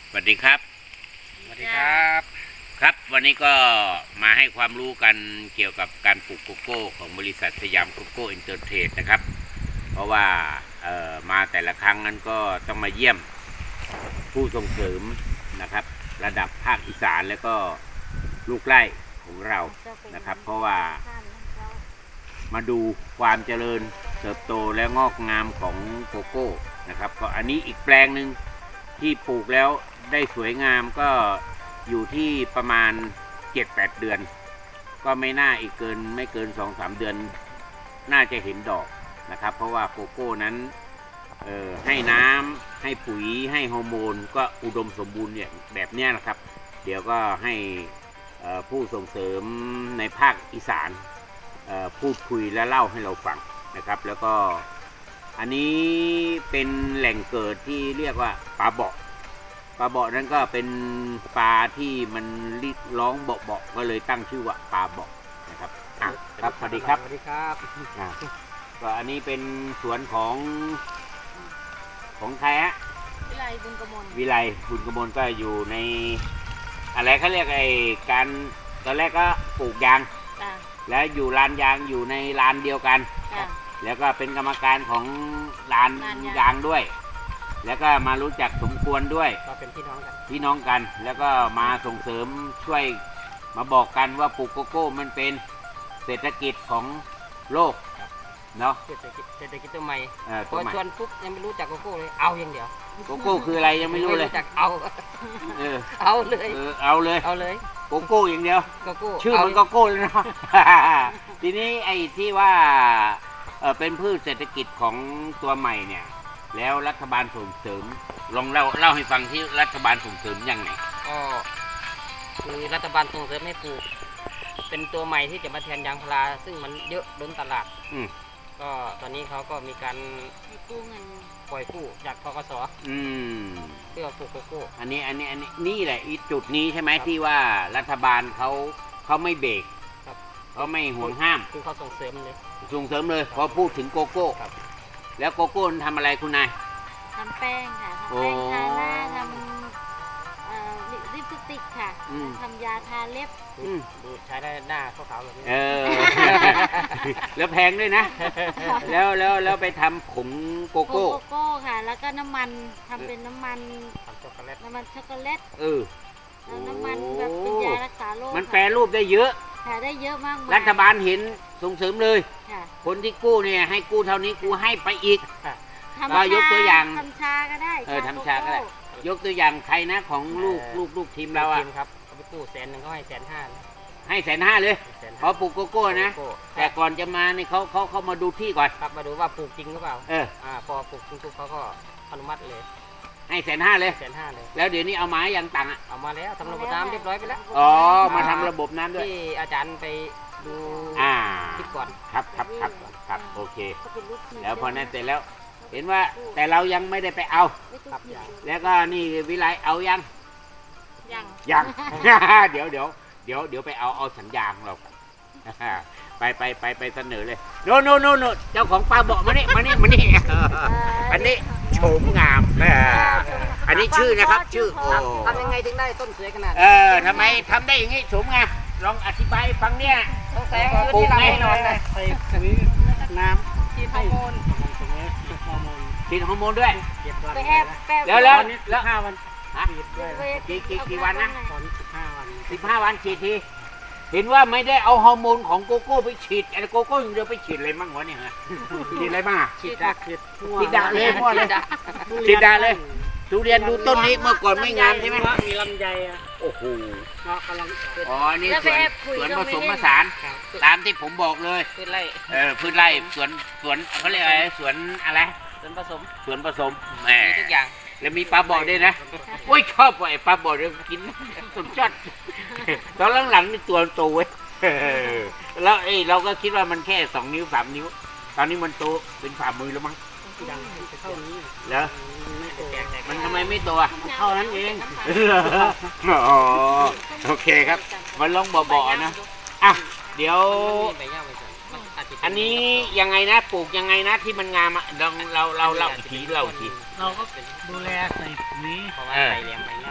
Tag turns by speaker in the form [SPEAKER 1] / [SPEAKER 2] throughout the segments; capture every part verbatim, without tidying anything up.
[SPEAKER 1] สวัสดีครับ
[SPEAKER 2] สวัสดีครับ
[SPEAKER 1] ครับวันนี้ก็มาให้ความรู้กันเกี่ยวกับการปลูกโกโก้ของบริษัทสยามโกโก้อินเตอร์เทรดนะครับเพราะว่าเอ่อมาแต่ละครั้งนั้นก็ต้องมาเยี่ยมผู้ส่งเสริมนะครับระดับภาคอีสานแล้วก็ลูกไร่ของเรานะครับเพราะว่ามาดูความเจริญเติบโตและงอกงามของโกโก้นะครับก็อันนี้อีกแปลงหนึ่งที่ปลูกแล้วได้สวยงามก็อยู่ที่ประมาณ เจ็ดแปด เดือนก็ไม่น่าอีกเกินไม่เกิน สองสาม เดือนน่าจะเห็นดอกนะครับเพราะว่าโกโก้นั้นเอ่อให้น้ำให้ปุ๋ยให้ฮอร์โมนก็อุดมสมบูรณ์เนี่ยแบบนี้นะครับเดี๋ยวก็ให้ผู้ส่งเสริมในภาคอีสานพูดคุยและเล่าให้เราฟังนะครับแล้วก็อันนี้เป็นแหล่งเกิดที่เรียกว่าปลาเบาะปลาเบาะนั้นก็เป็นปลาที่มันร้องเบาะๆก็เลยตั้งชื่อว่าปลาเบาะนะครับอ่ะครับสวัสดีครับ
[SPEAKER 2] สวัสดีครับ
[SPEAKER 1] ก็อันนี้เป็นสวนของของใครฮะ
[SPEAKER 3] วิไลบุญกมล
[SPEAKER 1] วิไลบุญกมลก็อยู่ในอะไรเขาเรียกไอ้การตอนแรกก็ปลูกยางแล้วอยู่ลานยางอยู่ในลานเดียวกันแล้วก็เป็นกรรมการของลานยางด้วยแล้วก็มารู้จักสมควรด้วย
[SPEAKER 2] ก็เป็นพี่น้องกัน
[SPEAKER 1] พี่น้องกันแล้วก็มาส่งเสริมช่วยมาบอกกันว่าปลูกโกโก้มันเป็นเศรษฐกิจของโลกเนาะ
[SPEAKER 2] เศรษฐกิจเศรษฐกิจตัวใหม่
[SPEAKER 1] พอ
[SPEAKER 2] ชวนปุ๊บยังไม่รู้จักโกโก้เลยเอาอย่างเดียว
[SPEAKER 1] โกโก้คืออะไรยังไม่รู้เลย
[SPEAKER 2] จักเอา
[SPEAKER 1] เออ
[SPEAKER 2] เอาเลย
[SPEAKER 1] เออเอาเลย
[SPEAKER 2] เอาเลย
[SPEAKER 1] โกโก้อย่างเดียว
[SPEAKER 2] โกโก้
[SPEAKER 1] ชื่อมันโกโก้เลยเนาะทีนี้ไอ้ที่ว่าเออเป็นพืชเศรษฐกิจของตัวใหม่เนี่ยแล้วรัฐบาลส่งเสริมลองเล่าเล่าให้ฟังที่รัฐบาลส่งเสริมยังไง
[SPEAKER 2] ก็คือรัฐบาลส่งเสริมให้ปลูกเป็นตัวใหม่ที่จะมาแทนยางพาราซึ่งมันเยอะล้นตลาด
[SPEAKER 1] อื
[SPEAKER 2] ก็ตอนนี้เขาก็มีการ
[SPEAKER 3] กู้เงิน
[SPEAKER 2] ปล่อยกู้จากธกส.
[SPEAKER 1] อืม
[SPEAKER 2] เพื่อปลูกโกโก้
[SPEAKER 1] อันนี้อันนี้อันนี้นี่แหละอีจุดนี้ใช่ไหมที่ว่ารัฐบาลเขาเขาไม่เบรกเขาไม่ห่วงห้าม
[SPEAKER 2] คือเขาส่งเสริมเลย
[SPEAKER 1] ส่งเสริมเลยพอพูดถึงโกโก้แล้วโกโก้ทำอะไรคุณนาย
[SPEAKER 3] ทำแป้งค่ะทำแป้งทาหน้าทำลิปสติกค่ะทำยาทาเล็บ
[SPEAKER 2] ดูใช้ได้หน้าขาวๆแบบนี้
[SPEAKER 1] เออแล้วแพงด้วยนะแล้วแล้วแล้วไปทำผงโกโก้
[SPEAKER 3] โกโก้ค่ะแล้วก็น้ำมันทำเป็นน้ำมัน
[SPEAKER 2] ช็อกโกแลต
[SPEAKER 3] น้ำมันช็อกโกแลต
[SPEAKER 1] เออ
[SPEAKER 3] น้ำมันแบบเป็นยารักษาโรค
[SPEAKER 1] มันแปรรูปได้เยอะ
[SPEAKER 3] ค่ะได้เยอะมาก
[SPEAKER 1] รัฐบาลเห็นส่งเสริมเลยคนที่กู้เนี่ยให้กู้เท่านี้กู้ให้ไปอีกก็ยกตัวอย่าง
[SPEAKER 3] ทำชาก็ได้
[SPEAKER 1] เออทำชาก็ได้ยกตัวอย่างใครนะของลูกลูกลูกทีมเราอ่ะ
[SPEAKER 2] ครับเขาไปกู้แสนหนึ่งเขาให้แสนห้า
[SPEAKER 1] ให้แสนห้าเลยเขาปลูกโกโก้นะแต่ก่อนจะมาเนี่ยเขาเขาเขามาดูที่ก่อน
[SPEAKER 2] ครับมาดูว่าปลูกจริงหรือเปล่า
[SPEAKER 1] เออ
[SPEAKER 2] อ่าพอปลูกจริงปุ๊บเขาก็อนุมัติเลย
[SPEAKER 1] ให้แสนห้าเลย
[SPEAKER 2] แสนห้าเลย
[SPEAKER 1] แล้วเดี๋ยวนี้เอาไม้ยังตังอ่ะ
[SPEAKER 2] เอามาแล้วทำระบบน้ำเรียบร้อยไปแล้ว
[SPEAKER 1] อ๋อมาทำระบบน้ำด้วย
[SPEAKER 2] ที่อาจารย์ไปดู
[SPEAKER 1] อ่า
[SPEAKER 2] คลิปก่อน
[SPEAKER 1] ครับครับครับครับโอเคแล้วพอนั้นเสร็จแล้วเห็นว่าแต่เรายังไม่ได้ไปเอาแล้วก็นี่วิไลเอายัง
[SPEAKER 3] ยัง
[SPEAKER 1] ยังเดี๋ยวเดี๋ยวเดี๋ยวเดี๋ยวไปเอาเอาสัญญาของเราไปไปไปไปเสนอเลยโน่โน่โน่โน่เจ้าของปลาบอกมานี่มานี่มานี่อันนี้โฉมงามอันนี้ชื่อนะครับชื่อโอ้
[SPEAKER 2] ทำยังไงถึงได้ต้นสวยขนาด
[SPEAKER 1] เออทำไมทำได้อย่างนี้โฉมงามลองอธิบายฟังเนี่ย
[SPEAKER 2] ต้องแสงปลูกแน่นอนเลย
[SPEAKER 4] ใส่ปุ๋ยน้ำ
[SPEAKER 2] ฉีดฮอร์โมน
[SPEAKER 1] ฉีดฮอร์โมนด้วย
[SPEAKER 3] ไปแอบ
[SPEAKER 1] แล้วแล้วแล้ว
[SPEAKER 4] ห้าวัน
[SPEAKER 1] กี่กี่กี่วันนะ
[SPEAKER 4] ตอนสิบห้าวัน
[SPEAKER 1] สิบห้าวันฉีดทีเห็นว่าไม่ได้เอาฮอร์โมนของโกโก้ไปฉีดแต่โกโก้ยังเดียวไปฉีดอะไรบ้างวะเนี่ยฮะฉีดอะไรบ้าง
[SPEAKER 2] ฉีดดักฉีด
[SPEAKER 1] ฉีดดักเลยมั่วเลยฉีดดักเลยทุเรียนดูต้นนี้เมื่อก่อนไม่งามใช่ไหม
[SPEAKER 4] มีลำไยอ่ะ
[SPEAKER 1] โอ้โห
[SPEAKER 4] กำลัง
[SPEAKER 1] อ๋อนี่สวนสวนผสมผสานตามที่ผมบอกเลย
[SPEAKER 2] พืชไร่
[SPEAKER 1] เออพืชไร่สวนสวนเขาเรียกอะไรสวนอะไร
[SPEAKER 2] สวนผสม
[SPEAKER 1] สวนผสมแหม
[SPEAKER 2] ทุกอย่าง
[SPEAKER 1] แล้วมีปลาบ่อด้วยนะโอ้ยชอบไอ้ปลาบ่อเดี๋ยวกินสุดยอดตอนหลังๆนี่ตัวโตเว้ยแล้วเอ้เราก็คิดว่ามันแค่สองนิ้วสามนิ้วตอนนี้มันโตเป็นฝ่ามือแล้วมั้ง
[SPEAKER 4] เท่านี้
[SPEAKER 1] เหรอมันทำไมไม่โตอ่ะ
[SPEAKER 4] เท่านั้นเอง
[SPEAKER 1] อ๋อโอเคครับมันลองบ่อๆนะอ่ะเดี๋ยวอันนี้ยังไงนะปลูกยังไงนะที่มันงามอ่ะเราเราเราเราทีเราที
[SPEAKER 4] เราก็ดูแลใส่ปุ๋ย
[SPEAKER 2] เพราะว่าใส่เลี้ยงไปเนาะ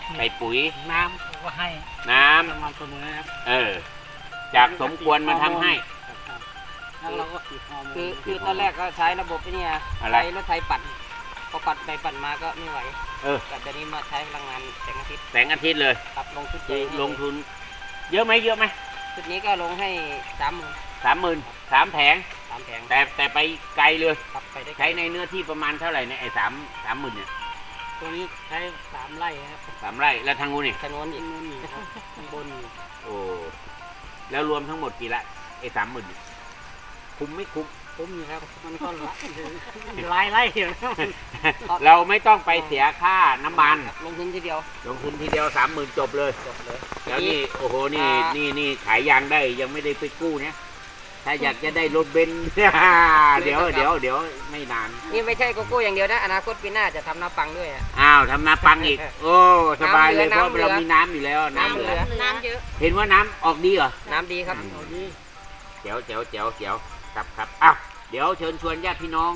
[SPEAKER 1] ใส่ปุ๋ย
[SPEAKER 4] น้ำก็ให้
[SPEAKER 1] น้ำ
[SPEAKER 4] สม่ำเสมอครับ
[SPEAKER 1] เออ จากสมควรมาทำให้
[SPEAKER 4] ครับแล้วเราก็ฉีดฮอร์โมน
[SPEAKER 2] คือคือตอนแรกก็ใช้ระบบไอ้นี่
[SPEAKER 1] อะไร
[SPEAKER 2] ใช้รถไถปั่นพอปั่นไปปั่นมาก็ไม่ไหว
[SPEAKER 1] เออ
[SPEAKER 2] แต่เดี๋ยวนี้มาใช้พลังงานแสงอาทิตย์
[SPEAKER 1] แสงอาทิตย์เลย
[SPEAKER 2] ครับลงทุน
[SPEAKER 1] คือลงทุน เยอะไหมเยอะไหม
[SPEAKER 2] ชุดนี้ก็ลงให้สามหมื่น
[SPEAKER 1] สามหมื่นสามแผง
[SPEAKER 2] สามแผง
[SPEAKER 1] แต่แต่ไปไกลเลย
[SPEAKER 2] ครับไปได้ไกล
[SPEAKER 1] ใช้ในเนื้อที่ประมาณเท่าไหร่เนี่ยไอ้สามสามหมื่นเนี่ย
[SPEAKER 4] ตัวนี้ใช้สามไร่ครับ
[SPEAKER 1] สามไร่แล้วทางนู้นนี่
[SPEAKER 2] ถนนอีก
[SPEAKER 4] ข้างบนนี่ครับข้างบนนี่
[SPEAKER 1] โอ้แล้วรวมทั้งหมดกี่ละไอ้สามหมื่นคุ้มไม่คุ้ม
[SPEAKER 4] ผมอยู่ครับมันก็ละหลายไร่อยู่นะ
[SPEAKER 1] เราไม่ต้องไปเสียค่าน้ำมัน
[SPEAKER 2] ครับลงทุนทีเดียว
[SPEAKER 1] ลงทุนทีเดียวสามหมื่นจบเลย
[SPEAKER 2] จบเลย
[SPEAKER 1] แล้วนี่โอ้โหนี่
[SPEAKER 2] อ่า
[SPEAKER 1] นี่นี่ขายยางได้ยังไม่ได้ไปกู้เนี่ยถ้าอยากจะได้รถเบนซ์ เดี๋ยวเดี๋ยวเดี๋ยวไม่นาน
[SPEAKER 2] นี่ไม่ใช่โกโก้อย่างเดียวนะอนาคตปีหน้าจะทำน้ำปังด้วยอะ
[SPEAKER 1] อ้าวทำนาปังอีก โอ้สบายเลยเพ
[SPEAKER 2] น้ำ
[SPEAKER 1] ราะ
[SPEAKER 2] เหลือ
[SPEAKER 1] เรามีน้ำอยู่แล้วน้ำ
[SPEAKER 2] น้ำ
[SPEAKER 1] เห
[SPEAKER 2] เห
[SPEAKER 1] ลื
[SPEAKER 2] ลื
[SPEAKER 1] อ
[SPEAKER 2] อ
[SPEAKER 3] น้ำเยอะ
[SPEAKER 1] เห็นว่าน้ำออกดีเหรอ
[SPEAKER 2] น้ำดีครับ
[SPEAKER 4] เอาดี
[SPEAKER 1] เจ๋วเจ๋วเจ๋วเจ๋วครับครับอ้าวเดี๋ยวเชิญชวนญาติพี่น้อง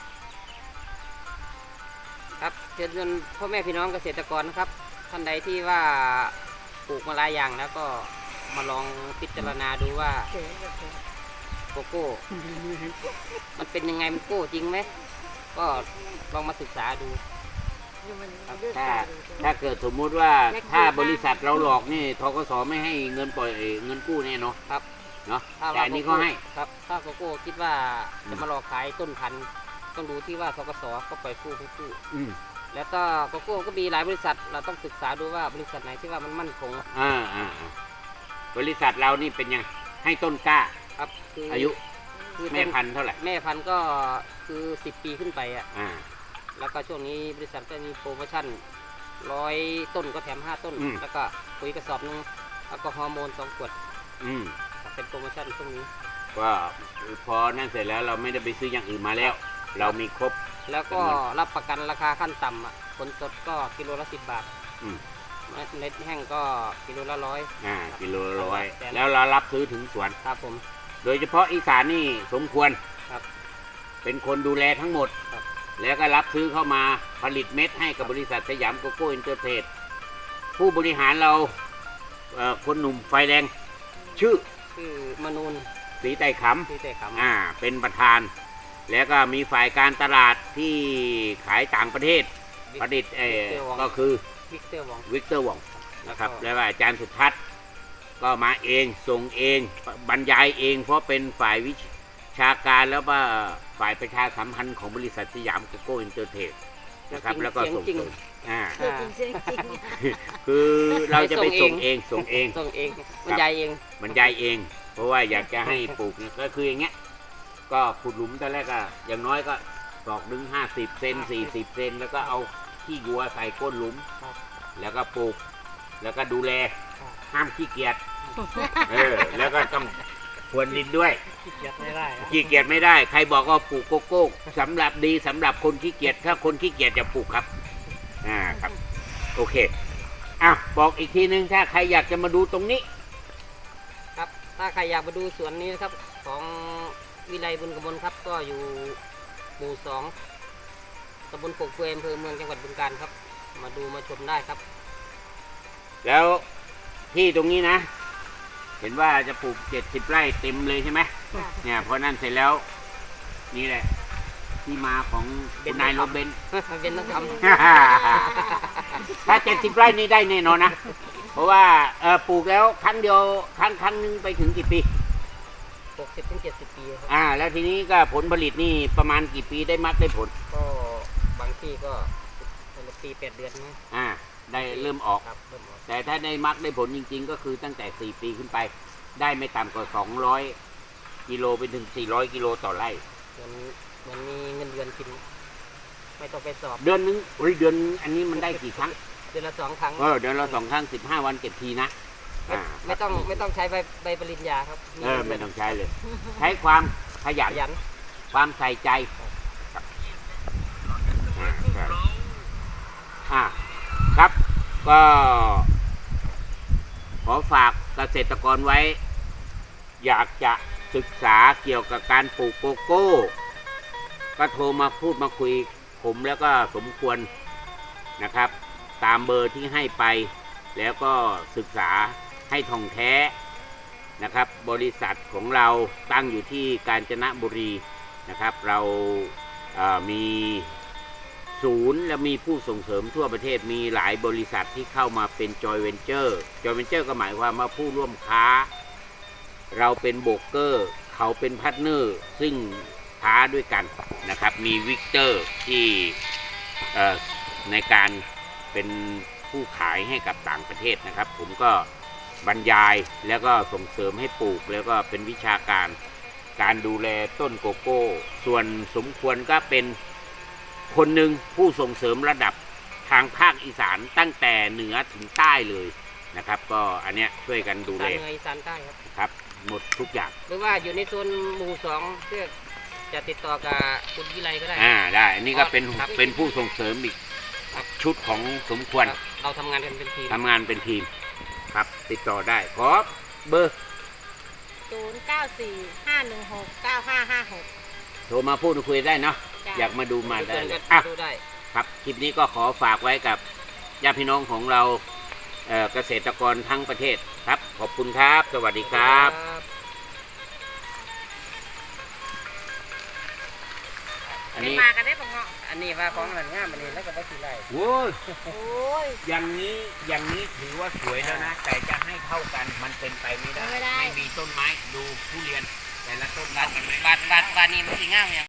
[SPEAKER 2] ครับเชิญชวนพ่อแม่พี่น้องเกษตรกรนะครับท่านใดที่ว่าปลูกมาหลายอย่างแล้วก็มาลองพิจารณาดูว่าโกโก้มันเป็นยังไงมันโก้จริงไหมก็ลองมาศึกษาดู
[SPEAKER 1] ถ้าถ้าเกิดสมมุติว่าถ้าบริษัทเราหลอกนี่ธกสไม่ให้เงินปล่อยเงินกู้แน่เนาะ
[SPEAKER 2] ครับ
[SPEAKER 1] เนาะ
[SPEAKER 2] ถ้า
[SPEAKER 1] แต่อันนี้เขาให้
[SPEAKER 2] ครับถ้าโกโก้คิดว่า
[SPEAKER 1] อืม
[SPEAKER 2] จะมาหลอกขายต้นพันธุ์ต้องดูที่ว่าธกสก็ปล่อยกู้ให้กู้
[SPEAKER 1] อืม
[SPEAKER 2] แล้วก็โกโก้ก็มีหลายบริษัทเราต้องศึกษาดูว่าบริษัทไหนที่ว่ามันมั่นคง
[SPEAKER 1] อ่าอ่าอ่าบริษัทเรานี่เป็นยังให้ต้นกล้า
[SPEAKER 2] ครับคือ
[SPEAKER 1] อายุ
[SPEAKER 2] คือ
[SPEAKER 1] แม่
[SPEAKER 2] ต้น
[SPEAKER 1] พันธุ์เท่าไหร่
[SPEAKER 2] แม่พันธุ์ก็คือสิบปีขึ้นไปอ่ะ
[SPEAKER 1] อ่า
[SPEAKER 2] แล้วก็ช่วงนี้บริษัทก็มีโปรโมชั่นร้อยต้นก็แถมห้าต้น แล้วก็ปุ๋ยกระสอบหนึงแล้วก็ฮอร์โมนสองขวด
[SPEAKER 1] อืม
[SPEAKER 2] ครับเป็นโปรโมชั่นช่วงนี้
[SPEAKER 1] ก็พอนั่นเสร็จแล้วเราไม่ได้ไปซื้ออย่างอื่นมาแล้ว เรามีครบ
[SPEAKER 2] แล้วก็
[SPEAKER 1] จำนวน
[SPEAKER 2] รับประกันราคาขั้นต่ำอ่ะผลสดก็กิโลละสิบบาท
[SPEAKER 1] อืม
[SPEAKER 2] เม็ดแห้งก็กิโลละร้อย
[SPEAKER 1] อ่ากิโลละร้อย
[SPEAKER 2] แต่
[SPEAKER 1] แล้วเรารับซื้อถึงสวน
[SPEAKER 2] ครับผม
[SPEAKER 1] โดยเฉพาะอีสานนี่สมควร
[SPEAKER 2] ครับ
[SPEAKER 1] เป็นคนดูแลทั้งหมด
[SPEAKER 2] ครับ
[SPEAKER 1] แล้วก็รับซื้อเข้ามาผลิตเม็ดให้กับบริษัทสยามโกโก้อินเตอร์เทรดผู้บริหารเราเอ่อคนหนุ่มไฟแดง ชื่อ
[SPEAKER 2] คือมนูน
[SPEAKER 1] ศรีไต่ข
[SPEAKER 2] ที่แต่ข
[SPEAKER 1] ำอ่าเป็นประธาน แล้วก็มีฝ่ายการตลาดที่ขายต่างประเทศ
[SPEAKER 2] ำ
[SPEAKER 1] ผลิตเออ
[SPEAKER 2] วิกเตอร์วอง
[SPEAKER 1] ก็คือ
[SPEAKER 2] วิกเตอร์วอง
[SPEAKER 1] วิกเตอร์วองนะครับ
[SPEAKER 2] แล้วก็
[SPEAKER 1] แล้วก็อาจารย์สุทัศน์ก็มาเองส่งเองบรรยายเอง เพราะเป็นฝ่ายวิชาการแล้วก็ฝ่ายประชาสัมพันธ์ของบริษัทสยามโกโก้อินเตอร์เทรดนะครับแล้วก็ส่ง
[SPEAKER 2] จริง
[SPEAKER 1] เสริมอ่า
[SPEAKER 3] เสียงจริงเสียงจริง
[SPEAKER 1] คือเราจะไป
[SPEAKER 2] ส่
[SPEAKER 1] ส่
[SPEAKER 2] ง
[SPEAKER 1] ง
[SPEAKER 2] เอ
[SPEAKER 1] เอง งส่งเอง
[SPEAKER 2] ส่งเองบรรยายเอง
[SPEAKER 1] บรรยายเอง เพราะว่าอยากจะให้ปลูกเนี่ยก็คืออย่างเงี้ยก็ขุดหลุมตอนแรกก็อย่างน้อยก็ตอกดึงห้าสิบเซนสี่สิบเซนแล้วก็เอาขี้วัวใส่ก้นหลุม
[SPEAKER 2] ครับ
[SPEAKER 1] แล้วก็ปลูก แล้วก็ดูแล
[SPEAKER 2] ครับ
[SPEAKER 1] ห้ามขี้เกียจเออแล้วก็ต้องพรวนดินด้วย
[SPEAKER 4] ขี้เกียจไม่ได้อะ
[SPEAKER 1] ขี้เกียจไม่ได้ใครบอกว่าปลูกโกโก้สำหรับดีสำหรับคนขี้เกียจถ้าคนขี้เกียจจะปลูกครับอ่าครับโอเคอ่ะบอกอีกทีนึงถ้าใครอยากจะมาดูตรงนี้
[SPEAKER 2] ครับถ้าใครอยากมาดูสวนนี้นะครับ ของวิไลบุญกมลครับ ก็อยู่หมู่สองตำบลปกเกวยอำเภอเมืองจังหวัดบึงกาฬครับ มาดูมาชมได้ครับ
[SPEAKER 1] แล้วที่ตรงนี้นะ เห็นว่าจะปลูกเจ็ดสิบไร่เต็มเลยใช่ไหม
[SPEAKER 3] ค่ะ
[SPEAKER 1] เนี่ยพอนั่นเสร็จแล้ว นี่แหละ ที่มาของคุณนายโรเบน
[SPEAKER 2] มันเป็นนักท
[SPEAKER 1] ถ้าเจ็ดสิบไร่นี่ได้แน่นอนนะ เพราะว่าเออปลูกแล้วครั้งเดียวครั้งครั้งหนึงไปถึงกี่ปี
[SPEAKER 2] ำหกสิบถึงเจ็ดสิบปีครับ
[SPEAKER 1] อ่า แล้วทีนี้ก็ผลผลิตนี่ประมาณกี่ปีได้มัดได้ผล
[SPEAKER 2] ก็บางที่ก็ปีแปดเดือนนะ
[SPEAKER 1] อ่า ได้เริ่มออก
[SPEAKER 2] ครับเริ่มออก
[SPEAKER 1] แต่ถ้าได้มักได้ผลจริงๆ ก็คือตั้งแต่สี่ปีขึ้นไป ได้ไม่ต่ำกว่าสองร้อยกิโลไปถึงสี่ร้อยกิโลต่อไร่
[SPEAKER 2] เหมือนเหมือนมีเงินเดือนกิน ไม่ต้องไปสอบ
[SPEAKER 1] เดือนนึงเฮ้ยเดือนอันนี้มันได้กี่ครั้ง
[SPEAKER 2] เดือนละสองครั้ง
[SPEAKER 1] เออเดือนละสองครั้งสิบห้าวันเก็บทีนะ
[SPEAKER 2] ไม่
[SPEAKER 1] อ่า
[SPEAKER 2] ไม่ต้องไม่ต้องใช้ใบใบปริญญาครับ
[SPEAKER 1] เออไม่ต้องใช้เลย ใช้ความขยัน
[SPEAKER 2] ขยัน
[SPEAKER 1] ความใส่ใจครับอ่าใช่อ่าครับก็ ขอฝากเกษตรกรไว้ อยากจะศึกษาเกี่ยวกับการปลูกโกโก้ ก็โทรมาพูดมาคุยผมแล้วก็สมควรนะครับตามเบอร์ที่ให้ไป แล้วก็ศึกษาให้ท่องแท้นะครับ บริษัทของเราตั้งอยู่ที่กาญจนบุรีนะครับ เราเอ่อมีศูนย์และมีผู้ส่งเสริมทั่วประเทศมีหลายบริษัทที่เข้ามาเป็นจอยเวนเจอร์จอยเวนเจอร์ก็หมายความว่าผู้ร่วมค้า เราเป็นโบรกเกอร์เขาเป็นพาร์ทเนอร์ซึ่งค้าด้วยกันนะครับ มีวิกเตอร์ที่เอ่อในการเป็นผู้ขายให้กับต่างประเทศนะครับ ผมก็บรรยายแล้วก็ส่งเสริมให้ปลูกแล้วก็เป็นวิชาการการดูแลต้นโกโก้ ส่วนสมควรก็เป็นคนหนึ่งผู้ส่งเสริมระดับทางภาคอีสานตั้งแต่เหนือถึงใต้เลยนะครับ ก็อันเนี้ยช่วยกันดู
[SPEAKER 2] อี
[SPEAKER 1] แล
[SPEAKER 2] สานเหนืออีสานใต้ครับ
[SPEAKER 1] ครับหมดทุกอย่าง
[SPEAKER 2] หรือว่าอยู่ในโซนหมู่สองเพื่อจะติดต่อกับคุณวิไลก็ได้
[SPEAKER 1] อ่าได้อันนี้ก็เป็น
[SPEAKER 2] ครับ
[SPEAKER 1] เป็นผู้ส่งเสริมอีกชุดของสมควร
[SPEAKER 2] ครับเราทำงานกันเป็นทีม
[SPEAKER 1] ทำงานเป็นทีมครับ ติดต่อได้ขอเบอร์
[SPEAKER 3] ศูนย์เก้าสี่ห้าหนึ่งหกเก้าห้าห้าหก
[SPEAKER 1] โทรมาพูดคุยได้เนาะ
[SPEAKER 3] จ้ะ
[SPEAKER 1] อยากมาดูมาได้
[SPEAKER 2] ส่วน
[SPEAKER 1] เล
[SPEAKER 2] กั
[SPEAKER 1] ย
[SPEAKER 2] น
[SPEAKER 1] อ่ะ
[SPEAKER 2] ดูได้
[SPEAKER 1] ครับคลิปนี้ก็ขอฝากไว้กับญาติพี่น้องของเราเอ่อเกษตรกรทั้งประเทศครับ ขอบคุณครับ สวัสดีครับ อัน
[SPEAKER 3] ไม่
[SPEAKER 1] นี้
[SPEAKER 3] มากันได้ปะเงาะ
[SPEAKER 2] อันนี้ว่าของหันง่ามอันนี้แล้วก็บ่สิไร
[SPEAKER 1] โอ้ย
[SPEAKER 3] โอ้ย
[SPEAKER 1] อย่างนี้อย่างนี้ถือว่าสวยแล้วนะ แต่จะให้เท่ากันมันเป็นไปไม่ได้
[SPEAKER 3] ไม่ได้
[SPEAKER 1] ไม่มีต้นไม้ดูทุเรียน แต่ละต้นรัดกันไม่
[SPEAKER 2] บาทบาทบาทนี้มันสิง่ามยัง